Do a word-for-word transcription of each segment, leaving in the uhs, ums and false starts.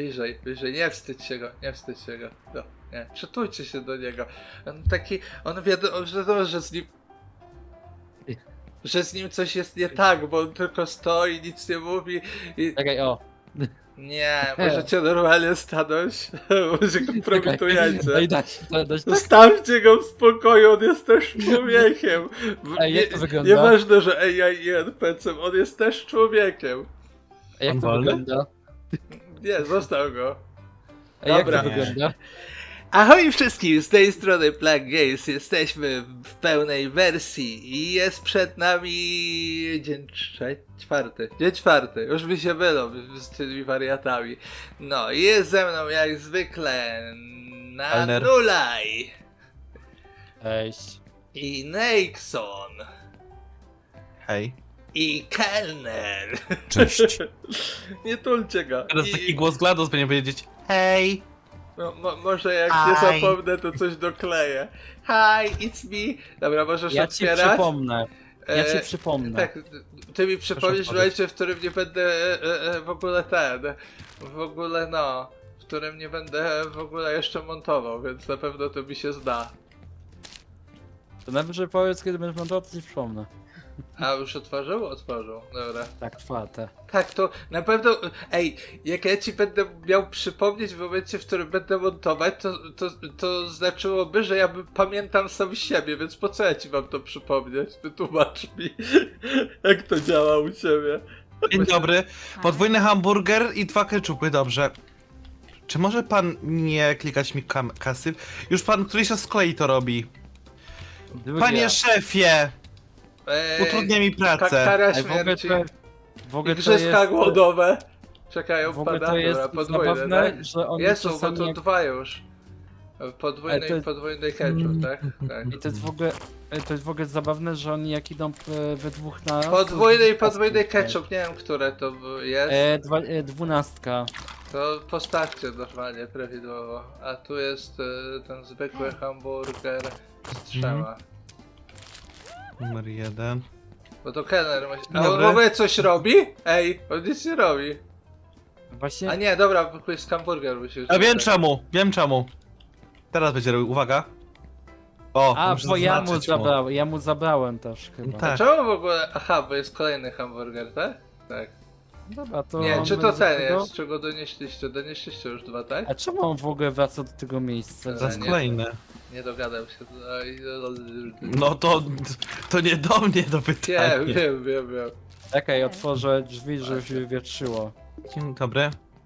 bliżej, bliżej, nie wstydź się go, nie wstydź się go, no, nie, przytulcie się do niego. On taki, on wiadomo, że, to, że z nim, że z nim coś jest nie tak, bo on tylko stoi, nic nie mówi i... Czekaj, o. Nie, możecie normalnie stanąć, może kompromitujecie. Daj, dać, dać, dać tak. Zostawcie go w spokoju, on jest też człowiekiem. W- Ej, jak nie- to wygląda? Nieważne, że A I i N P C, on jest też człowiekiem. A jak On to wolny? wygląda? Nie, zostaw go. A jak Dobra. to wygląda? Ahoj wszystkim, z tej strony Black Games, jesteśmy w pełnej wersji i jest przed nami dzień trze- czwarty, dzień czwarty, już mi się mylą z tymi wariatami. No i jest ze mną jak zwykle Alner. Nanulaj Cześć. i Nexon Hej. i Kelner. Cześć. Nie tulcie go. Teraz I- taki głos GLaDOS będzie powiedzieć hej. No, mo może jak Hi. nie zapomnę, to coś dokleję. Hi, it's me. Dobra, możesz Ja ci otwierać? przypomnę. Ja ci E, przypomnę. Tak, ty mi przypomnisz w odpowiedz. momencie, w którym nie będę e, e, w ogóle ten, w ogóle no, w którym nie będę w ogóle jeszcze montował, więc na pewno to mi się zda. To najwyżej powiedz, kiedy będziesz montował, to ci przypomnę. A już otworzył? Otworzył, dobra. Tak, czwarte. Tak, to na pewno, ej, jak ja ci będę miał przypomnieć w momencie, w którym będę montować, to, to, to znaczyłoby, że ja by pamiętam sam siebie, więc po co ja ci mam to przypomnieć? Wytłumacz mi, jak to działa u ciebie. Dzień dobry. Podwójny hamburger i dwa keczupy, dobrze. Czy może pan nie klikać mi kam- kasy? Już pan któryś raz z kolei to robi. Drugi Panie raz. szefie! Eee, Utrudnia mi ka- pracę. kara Ej, w ogóle śmierci. to, w ogóle to Igrzyska jest, głodowe. Czekają w ogóle pada, to jest dobra, podwójne, zabawne, tak? że oni Jest, bo czasami to jak... dwa już. Podwójny Ale to i jest- podwójny ketchup, tak? Tak. I to jest w ogóle, to jest w ogóle zabawne, że oni jak idą e, we dwóch na... Podwójny i podwójny ketchup, nie wiem, które to jest. E, dwa, e, dwunastka. To postawcie normalnie, prawidłowo. A tu jest e, ten zwykły hamburger z trzema. Numer jeden. Bo to kelner musi... A on Dobry. w ogóle coś robi? Ej, on nic nie robi. Właśnie... A nie, dobra, jest hamburger musi A wiem czemu, wiem czemu. Teraz będzie robił, uwaga. O, A, muszę bo ja mu zaznaczyć zabrałem, ja mu zabrałem też chyba. Tak. Czemu w ogóle... Aha, bo jest kolejny hamburger, tak? Tak. Dobra, to Nie, on czy to będzie ten tego- jest? Czego donieśliście? Donieśliście już dwa, tak? A czemu on w ogóle wraca do tego miejsca? Zaraz nie. kolejny. Nie dogadam się. Oj, No to, to nie do mnie do pytania. Wiem, wiem, wiem, wiem. Czekaj, otworzę drzwi, żeby się wywietrzyło. Dzień dobry.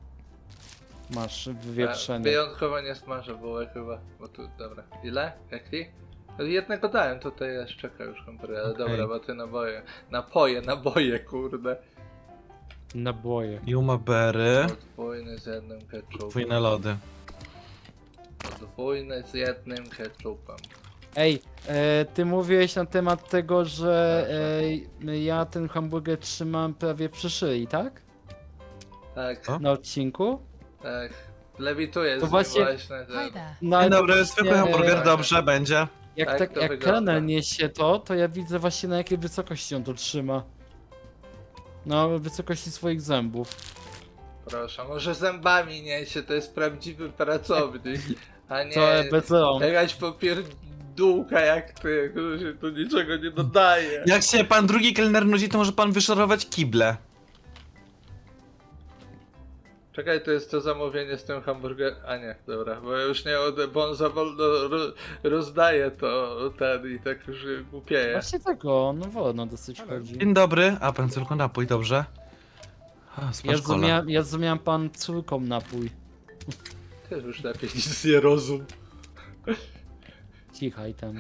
Masz Ja wywietrzenie. wyjątkowo nie smażę bułek chyba, bo tu, dobra. Ile? Jaki? Jednego dałem, tutaj jest, czeka już hamburger, ale Okej. dobra, bo ty naboje. Napoje, naboje, kurde. Naboje. Juma Berry. Podwójny z jednym ketchupem. Podwójne lody. Podwójny z jednym ketchupem. Ej, e, ty mówiłeś na temat tego, że e, ja ten hamburger trzymam prawie przy szyi, tak? Tak, O? Na odcinku? tak. Lewituję z To nim właśnie- właśnie ten. Hi there. No, Dzień ale to dobry, właśnie, zwykły hamburger, e, dobrze, będzie. Jak, Tak tak, to jak wygląda. kelner niesie to, to ja widzę właśnie na jakiej wysokości on to trzyma. Na wysokości swoich zębów. Proszę, może zębami niesie, to jest prawdziwy pracownik, a nie To bez rąk. jakaś popierdółka jak ty, który się tu niczego nie dodaje. Jak się pan drugi kelner nudzi, to może pan wyszorować kible. Czekaj, to jest to zamówienie z tym hamburgerem. A nie, dobra, bo ja już nie od... bo on za wolno ro... rozdaje to ten i tak już głupieje. Właśnie tego, no wolno dosyć chodzi. Dzień dobry. A pan chce tylko napój, dobrze? A, Ja smaż cola. zrozumiałem, ja zrozumiałem pan córką napój. Też już lepiej nic nie rozum. Cichaj tam.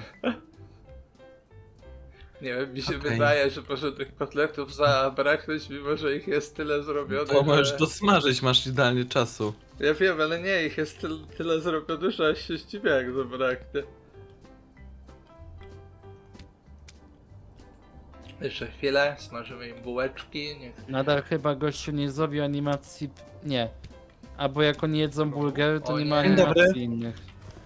Nie wiem, mi się Okej. wydaje, że może tych kotletów zabraknąć, mimo że ich jest tyle zrobione, Bo możesz że... dosmażyć, masz idealnie czasu. Ja wiem, ale nie, ich jest tyle, tyle zrobione, że aż się zdziwię jak zabraknie. Jeszcze chwilę, smażymy im bułeczki, niech... Nadal chyba gościu nie zrobił animacji... p- Nie. Albo jak oni jedzą burgery, to O nie ma nie. Dzień dobry. animacji innych.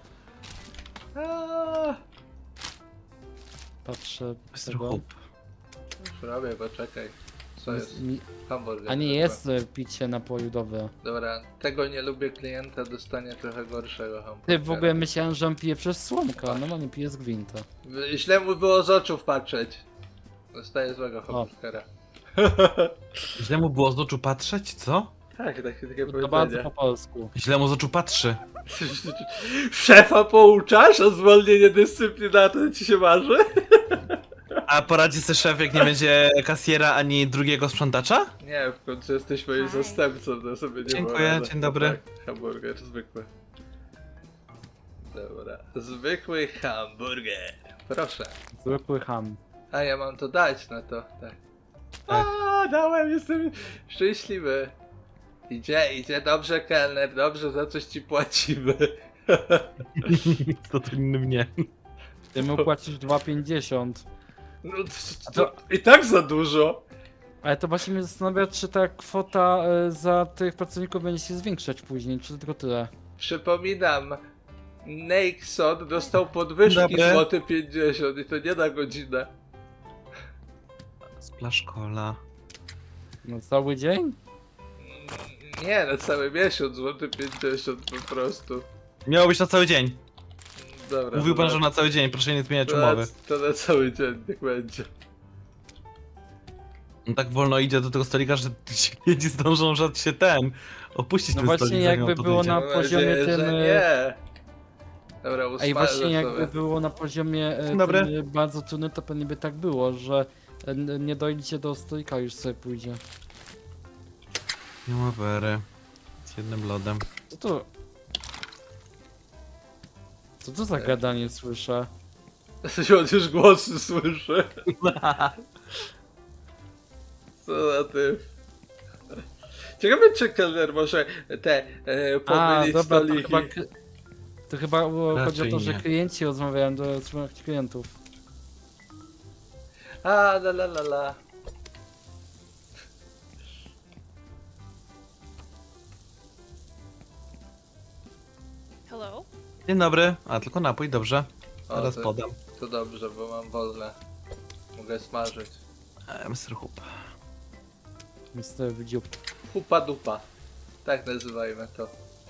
Aaaa, Patrzę mister tego. Hope. już robię, poczekaj. Co jest? Mi- Hamburger. A nie chyba. jest e, picie napoju, dobre. Dobra, tego nie lubię klienta, dostanie trochę gorszego hamburgera. Ty, w ogóle myślałem, że on pije przez słomka, no on pije z gwinta. Źle mu było z oczów patrzeć. Dostaje złego hamburgera. Źle mu było z oczu patrzeć, co? Tak, takie, takie To bardzo powiedzenie. po polsku. Źle mu z oczu patrzy. Szefa pouczasz o zwolnienie dyscyplinarne, ci się marzy? A poradzi sobie szef, jak nie będzie kasjera ani drugiego sprzątacza? Nie, w końcu jesteś moim Hi. zastępcą, to sobie nie Dziękuję, poradzę. dzień dobry. Tak, hamburger zwykły. Dobra, zwykły hamburger. Proszę. Zwykły ham. A ja mam to dać na to, tak. Tak. A, dałem, jestem szczęśliwy. Idzie, idzie, dobrze kelner, dobrze, za coś ci płacimy. To to innym nie. Ty mu płacisz dwa pięćdziesiąt. No, to, to- to i tak za dużo. Ale to właśnie mnie zastanawia, czy ta kwota e, za tych pracowników będzie się zwiększać później, czy tylko tyle. Przypominam, Nexon dostał podwyżki Dobre. złoty pięćdziesiąt i to nie na godzinę. Splash cola. No cały dzień? Mm, Nie, na cały miesiąc złoty pięćdziesiąt po prostu. Miało być na cały dzień. Dobra. Mówił pan, dobra. że na cały dzień, proszę nie zmieniać To na, umowy. to na cały dzień, niech będzie. On tak wolno idzie do tego stolika, że ci klienci zdążą, że się ten opuścić No ten właśnie, stolik, zanim jakby on było podejdzie. na Mam poziomie nadzieję, tym, że e, nie. Dobra, A i usmażę właśnie jakby sobie. było na poziomie e, Dzień dobry. tym, e, bardzo trudnym, to pewnie by tak było, że e, n- nie dojdzie do stolika, już sobie pójdzie. Nie ma wery. Z jednym lodem. Co to? Co to za gadanie słyszę? On już głosy słyszy. Co za ty. Ciekawe, czy kelner może te e, A, pomylić dobra, to stoliki. chyba, k- to chyba było- chodzi o Raczej to, że nie. klienci rozmawiają do swoich klientów. A, la la la la. Hello? Dzień dobry. A, tylko napój, dobrze. O, Teraz to, podam. to dobrze, bo mam wolne. Mogę smażyć. E, mister Hoop. mister Wdziub. Hupa dupa. Tak nazywajmy to.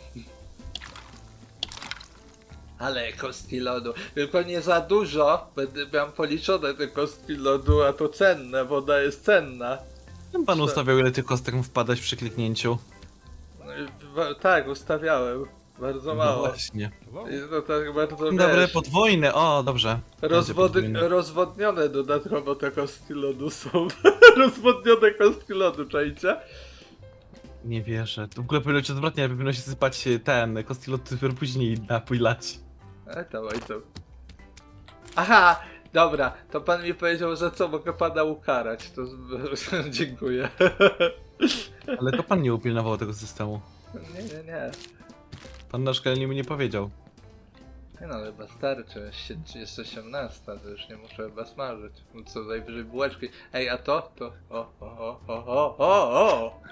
Ale kostki lodu. Tylko nie za dużo. Będę miał policzone te kostki lodu, a to cenne. Woda jest cenna. Ten pan Co? ustawiał, ile tych kostek mu wpadać przy kliknięciu. No i wa- tak, ustawiałem. Bardzo No mało. właśnie. I to tak bardzo Dzień dobry, wiesz, podwójny. O, dobrze. Będzie rozwody, podwójny. rozwodnione dodatkowo te kostki lodu są. Rozwodnione kostki lodu, czajcie? Nie wierzę. To w ogóle powinno być odwrotnie, powinno się sypać ten kostilot dopiero później napój lać. E, dawaj to. Aha, dobra, to pan mi powiedział, że co, mogę pana ukarać, to z- dziękuję. Ale to pan nie upilnował tego systemu. Nie, nie, nie. Pan na szkoleniu mi nie powiedział. Nie no, chyba starczy, Sie- jest osiemnasta, to już nie muszę chyba smażyć. No co, najwyżej bułeczki. Ej, a to? To... O, o, o, o, o, o, o!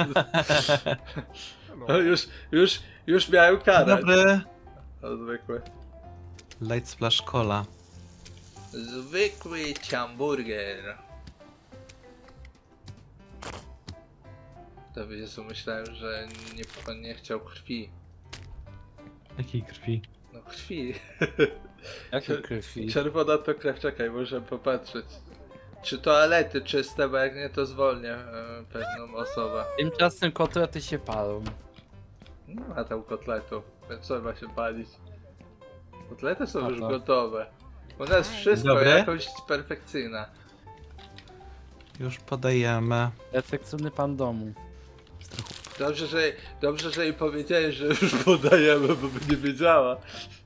O, już, już, już miałem Dzień karać. dobry. O, zwykły. Light Splash Cola. Zwykły hamburger. To Jezu, myślałem, że nie, pan nie chciał krwi. Jakiej krwi? No krwi. Jakie krwi? Czerwona to krew, czekaj, muszę popatrzeć. Czy toalety czyste, bo jak nie to zwolnię e, pewną osobę. Tymczasem kotlety się palą. Nie ma tam kotletów, więc trzeba się palić. Kotlety są A już to. gotowe. U nas Dzień wszystko dobry. jakoś perfekcyjna. Już podajemy. Efektywny pan domu. Dobrze, że, dobrze, że jej powiedziałeś, że już podajemy, bo by nie wiedziała.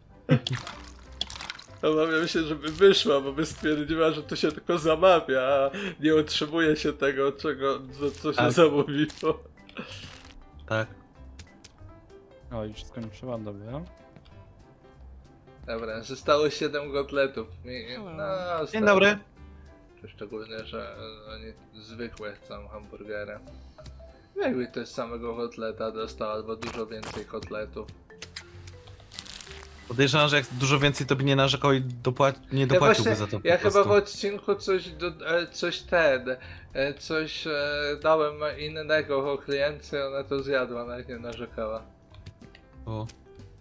Obawiam się, żeby wyszła, bo by stwierdziła, że to się tylko zamawia, a nie otrzymuje się tego, czego, co, co się Tak. zamówiło. Tak. O, już skończyłam, dobra. Dobra, zostało siedem kotletów. I- Hello. No, Dzień stary. dobry. Szczególnie, że e, oni zwykłe chcą hamburgery. Jakby ktoś samego kotleta dostał, albo dużo więcej kotletów. To Podejrzewam, że jak dużo więcej to by nie narzekał i dopła- nie Ja, dopłaciłby właśnie, za to po ja chyba prostu. w odcinku coś, do, e, coś ten, e, coś e, dałem innego o klientce, ona to zjadła, nawet nie narzekała. O.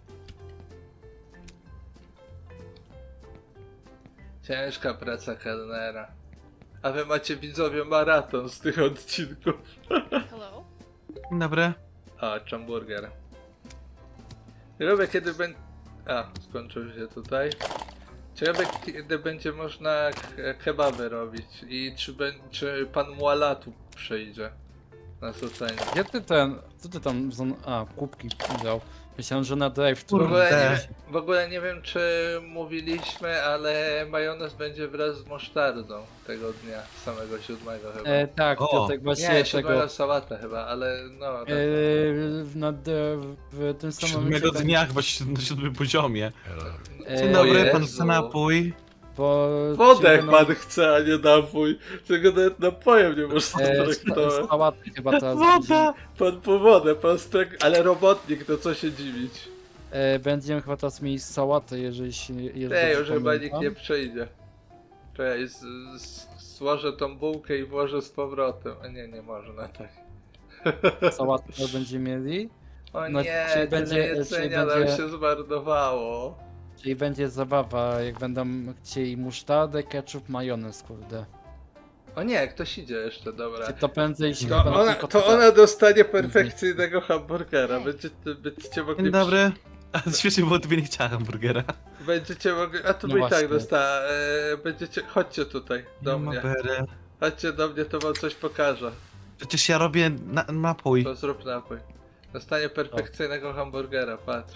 Ciężka praca kelnera. A wy macie widzowie maraton z tych odcinków. Hello? Dzień dobry. A, hamburger. Ciekawe kiedy będzie... A, skończył się tutaj. Ciekawe kiedy będzie można ke- kebaby robić i czy, bę- czy pan Muala tu przyjdzie. Nas oceni. Gdzie ty ten, co ty tam, za- a, kubki dał. Myślałem, że na drive W tu. ogóle, nie, Kurde. wiem- w ogóle nie wiem czy mówiliśmy, ale majonez będzie wraz z musztardą tego dnia, samego siódmego chyba. E, tak, O. to tak właśnie nie, tego. siódmego sałata chyba, ale no... tak. E, na, d- w tym samym Siódmego momencie dnia chyba si- na siódmym poziomie. E, Dzień O dobry, pan Jezu. chce napój. Bo Wodę jak będą- pan chce, a nie napój. Tego nawet napojem nie można E, traktować. z sałaty chyba teraz Woda! Pan po wodę, pan strek... Ale robotnik, to co się dziwić. E, będziemy chyba teraz mieli sałatę, jeżeli się... Jeżeli Nie, dobrze już chyba nikt pamiętam. nie przyjdzie. Czekaj, z, z, złożę tą bułkę i włożę z powrotem. A nie, nie można tak. Sałatę będziemy mieli, O No, nie, czyli tyle będzie- jedzenia czyli nam będzie- się zmarnowało. czyli będzie zabawa, jak będą chcieli musztardę, ketchup, majonez, kurde. O nie, ktoś idzie jeszcze, dobra. Czy to prędzej się To chyba ona, tylko to tutaj- ona dostanie perfekcyjnego hamburgera. Będziecie, będziecie mogli... Dzień dobry. A świetnie, bo tobie nie chciała hamburgera. Będziecie mogli... A to No by i tak właśnie. dostała. E, będziecie... Chodźcie tutaj, do Nie ma mnie. bery. Chodźcie do mnie, to wam coś pokażę. Przecież ja robię na napój. To zrób napój. Dostanie perfekcyjnego hamburgera, patrz.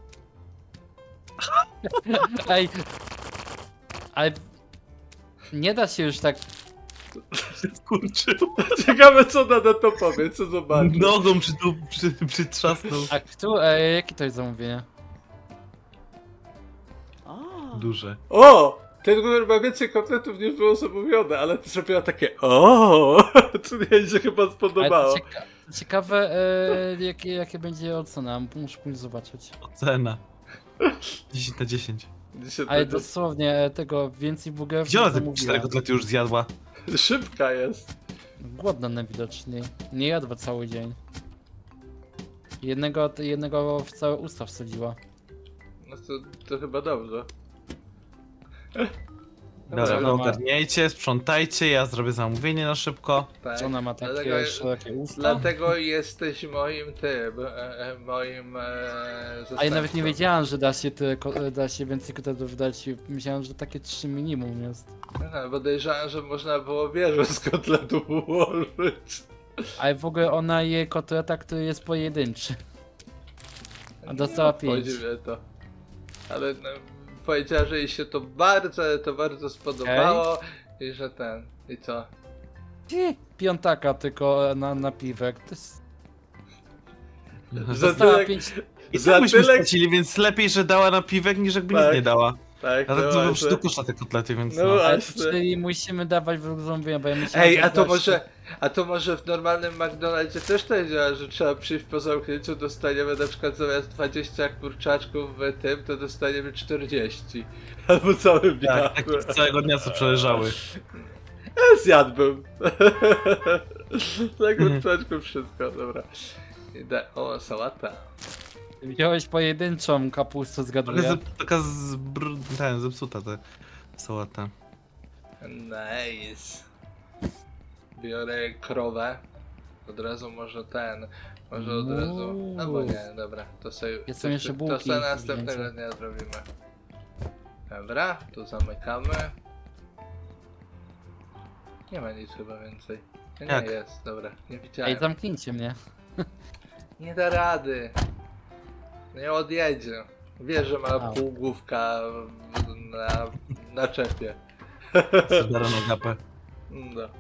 Ej! Ale... Nie da się już tak... Skurczył. Ciekawe co ona na to powie, co zobaczy. Nogą przy, przy, przytrzasnął. A kto... E, jakie to jest zamówienie? Duże. O! Ten numer ma więcej kotletów niż było zamówione, ale to zrobiła takie o, co jej się chyba Ale spodobało. to cieka ciekawe, e, jakie, jakie będzie ocena, muszę pójść zobaczyć. Ocena. dziesięć na dziesięć. Dzisiaj Ale to dosłownie e, tego więcej burgerów Gdzie nie ona te zamówiła. cztery kotlety już zjadła? szybka jest. Głodna najwidoczniej. Nie jadła cały dzień. Jednego, jednego w całe usta wsadziła. No to, to chyba dobrze. Dobra, ona ma- ogarniajcie, sprzątajcie, ja zrobię zamówienie na szybko. Tak. Czy ona ma takie Dlatego- szerokie usta? Dlatego jesteś moim tym, e, e, moim e, A ja nawet nie zastępcą. wiedziałem, że da się, te, ko- da się więcej kotletów dać. Myślałem, że takie trzy minimum jest. Aha, podejrzewam, że można było wieżę z kotletów ułożyć. Ale w ogóle ona je kotleta, który jest pojedynczy. A dostała pięć. Podziwię to. Ale no, powiedziała, że jej się to bardzo, to bardzo spodobało i że ten, i co? Ty, Piątaka tylko na, na piwek. To jest... Za Dostała tyle, pięć... I za tak byśmy tyle, stracili, więc lepiej, że dała na piwek, niż jakby Tak. nic nie dała. tak, A no tak to właśnie. do kosza te kotlety, więc No no. właśnie. Ale czyli musimy dawać w zamówienia, bo ja myślałem, Ej, że a to gościu- może, a to może w normalnym McDonaldzie też to działa, że trzeba przyjść po zamknięciu, dostaniemy na przykład zamiast dwadzieścia kurczaczków w tym, to dostaniemy czterdzieści. Albo całym dnia. Tak, tak całego dnia co przeleżały. Ja zjadłbym. Tak Mhm. kurczaczków wszystko, dobra. Idę. O, sałata. Wziąłeś pojedynczą kapustę, Taka, zgaduję. z, taka zbr... ten, zepsuta ta sałata. Nice. Biorę krowę. Od razu może ten. Może od razu. Albo nie, dobra. To sobie. Jest to, jeszcze to bułki sobie do następnego wzięcia. dnia zrobimy. Dobra, tu zamykamy. Nie ma nic chyba więcej. Nie, nie Jak? jest, dobra. Nie widziałem. Ej, zamknijcie mnie. Nie da rady. Nie odjedzie. Wie, że ma A. półgłówka na, na czepie. Zdarą na gapę. No.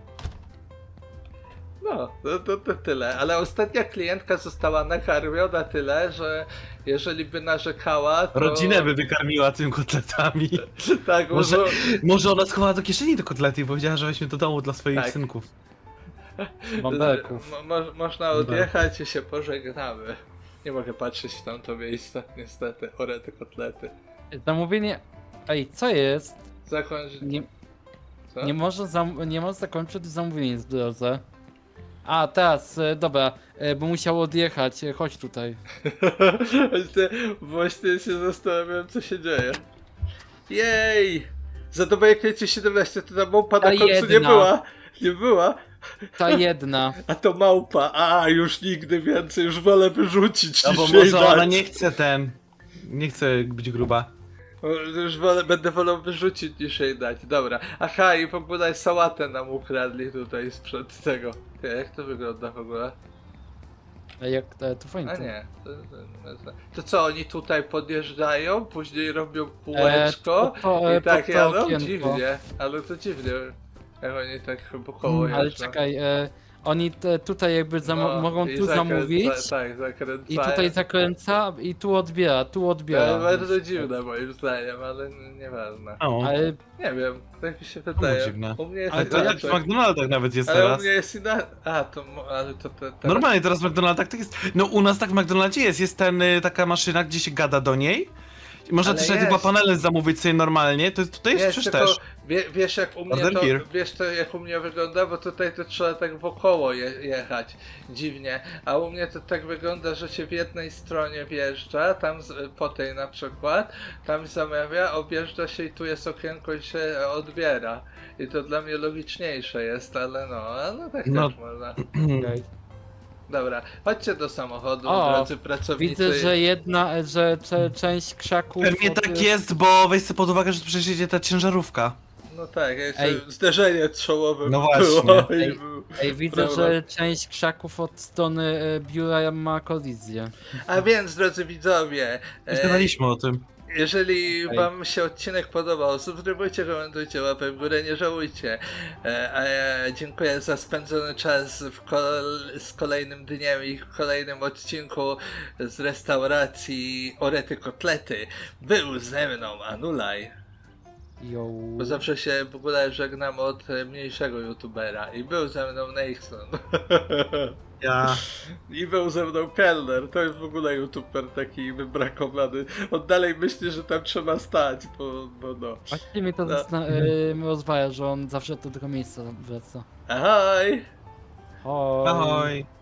No, to, to, to tyle. Ale ostatnia klientka została nakarmiona tyle, że jeżeli by narzekała, to... Rodzinę by wykarmiła tym kotletami. Tak, Może- może... Może ona schowała do kieszeni te kotlety i powiedziała, że weźmie do domu dla swoich Tak. synków. Bąbelków. Mo, mo, można odjechać i się pożegnamy. Nie mogę patrzeć w tamto miejsce, niestety. Orety kotlety. Zamówienie... Ej, co jest? Zakończ... Nie, Co? nie może, zam... nie może zakończyć zamówienie w drodze. A, teraz, e, dobra, e, bo musiał odjechać, e, chodź tutaj. Właśnie, właśnie się zastanawiam, co się dzieje. Jej! Za dobę kręci siedemnaście, to ta małpa na Ta końcu nie jedna. była. Nie była. Ta jedna. A to małpa. A, już nigdy więcej, już wolę wyrzucić No bo niż jej może ona dać. nie chce ten... Nie chce być gruba. O, Już wolę, będę wolał wyrzucić niż jej dać. Dobra. Aha, i w ogóle sałatę nam ukradli tutaj sprzed tego. Ty, jak to wygląda w ogóle? Ej, jak, e, to fajnie. A nie. To, to, to co, oni tutaj podjeżdżają, później robią kółeczko E, to- to, e, i tak pod to jadą? okienko. Dziwnie. Ale to dziwnie. Jak oni tak po koło Ale jeżdżą. czekaj, e, oni te, tutaj jakby zam- No, mogą i tu zakręca- zamówić Tak, zakręcają. i tutaj zakręca i tu odbiera, tu odbiera. To bardzo dziwne moim zdaniem, ale n- nieważne. O, Ale Nie wiem, tak mi się Czemu wydaje. dziwne? U mnie jest Ale ale to to ja tak w inaczej. McDonaldach nawet jest Ale u teraz. mnie jest inaczej. A, to, mo- ale to te, te... Normalnie teraz w McDonaldach tak jest. No u nas tak w McDonaldzie jest. Jest ten, y, taka maszyna, gdzie się gada do niej. I można Ale też nawet jest. chyba panele zamówić sobie normalnie. To jest, tutaj jest Jest, przecież tylko też. wie, wiesz jak u mnie Order to, here. wiesz to jak u mnie wygląda, bo tutaj to trzeba tak wokoło je, jechać, dziwnie, a u mnie to tak wygląda, że się w jednej stronie wjeżdża, tam z, po tej na przykład, tam zamawia, objeżdża się i tu jest okienko i się odbiera. I to dla mnie logiczniejsze jest, ale no, ale tak No. też można. okej. Dobra, chodźcie do samochodu, O, drodzy pracownicy. Widzę, że jedna, e, że cze, część krzaków... Pewnie od- tak jest, bo weź sobie pod uwagę, że tu przecież jedzie ta ciężarówka. No tak, jeszcze Ej. zderzenie czołowe No było właśnie. i Ej. był. Ej, widzę, Prawda. że część krzaków od strony e, biura ma kolizję. A więc, drodzy widzowie, e, Myśleliśmy o tym. jeżeli Ej. wam się odcinek podobał, subskrybujcie, komentujcie, łapę w górę, nie żałujcie. E, a ja dziękuję za spędzony czas w kol- z kolejnym dniem i w kolejnym odcinku z restauracji Orety Kotlety. Był ze mną Anulaj, Yo. bo zawsze się w ogóle żegnam od e, mniejszego youtubera. I był ze mną Nexon. Ja. I był ze mną kelner, to jest w ogóle youtuber taki wybrakowany. On dalej myśli, że tam trzeba stać, bo, bo no. Właściwie mnie to No. zasna- e, rozwaja, że on zawsze do tego miejsca wraca. Ahoj! Oj. Ahoj.